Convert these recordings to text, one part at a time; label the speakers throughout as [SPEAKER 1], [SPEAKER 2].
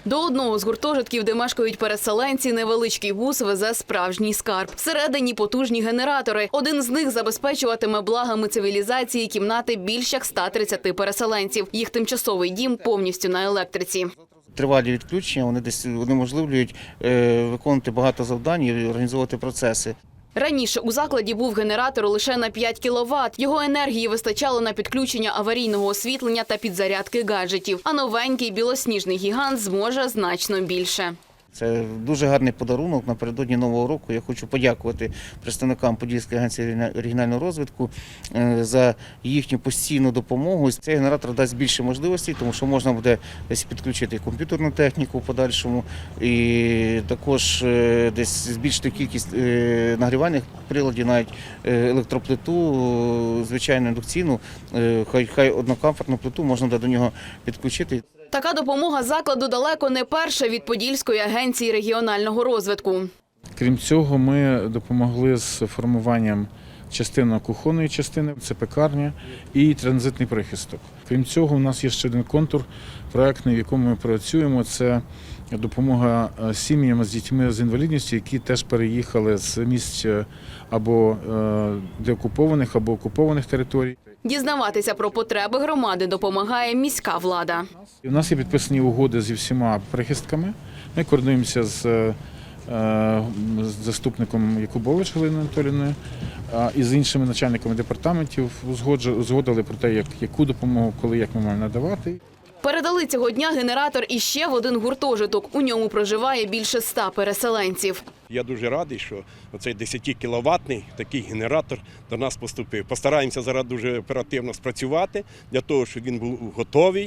[SPEAKER 1] До одного з гуртожитків, де мешкають переселенці, невеличкий бус везе справжній скарб. Всередині потужні генератори. Один з них забезпечуватиме благами цивілізації кімнати більш як 130 переселенців. Їх тимчасовий дім повністю на електриці.
[SPEAKER 2] Тривалі відключення, вони десь унеможливлюють виконувати багато завдань і організовувати процеси.
[SPEAKER 1] Раніше у закладі був генератор лише на 5 кВт. Його енергії вистачало на підключення аварійного освітлення та підзарядки гаджетів. А новенький білосніжний гігант зможе значно більше.
[SPEAKER 2] Це дуже гарний подарунок напередодні Нового року. Я хочу подякувати представникам Подільської агенції регіонального розвитку за їхню постійну допомогу. Цей генератор дасть більше можливостей, тому що можна буде десь підключити комп'ютерну техніку в подальшому і також десь збільшити кількість нагрівальних приладів, навіть електроплиту, звичайну індукційну, хай однокомфортну плиту можна буде до нього підключити.
[SPEAKER 1] Така допомога закладу далеко не перша від Подільської агенції регіонального розвитку.
[SPEAKER 3] Крім цього, ми допомогли з формуванням частини кухонної частини, це пекарня і транзитний прихисток. Крім цього, у нас є ще один контур проєктний, в якому ми працюємо. Це допомога сім'ям з дітьми з інвалідністю, які теж переїхали з місць або деокупованих, або окупованих територій.
[SPEAKER 1] Дізнаватися про потреби громади допомагає міська влада.
[SPEAKER 3] У нас є підписані угоди зі всіма прихистками. Ми координуємося з заступником Якубович Галиною Анатоліївною і з іншими начальниками департаментів узгодили про те, яку допомогу, коли, як ми маємо надавати.
[SPEAKER 1] Передали цього дня генератор іще в один гуртожиток. У ньому проживає більше 100 переселенців.
[SPEAKER 4] Я дуже радий, що оцей 10-кіловатний такий генератор до нас поступив. Постараємося зараз дуже оперативно спрацювати для того, щоб він був готовий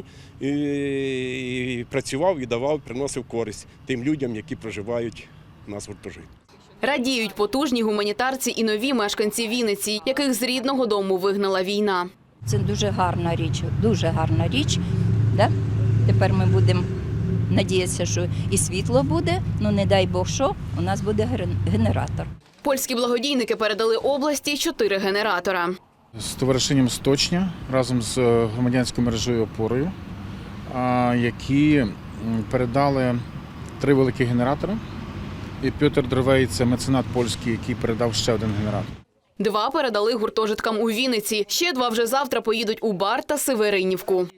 [SPEAKER 4] і працював, і давав, приносив користь тим людям, які проживають у нас в гуртожитку.
[SPEAKER 1] Радіють потужні гуманітарці і нові мешканці Вінниці, яких з рідного дому вигнала війна.
[SPEAKER 5] Це дуже гарна річ. Да? Тепер ми будемо надіятися, що і світло буде, ну не дай Бог що, у нас буде генератор.
[SPEAKER 1] Польські благодійники передали області 4 генератора.
[SPEAKER 3] З товаришенням «Сточня» разом з громадянською мережею «Опорою», які передали 3 великі генератори. І Петр Дровей – це меценат польський, який передав ще один генератор.
[SPEAKER 1] 2 передали гуртожиткам у Вінниці. Ще 2 вже завтра поїдуть у Бар та Северинівку.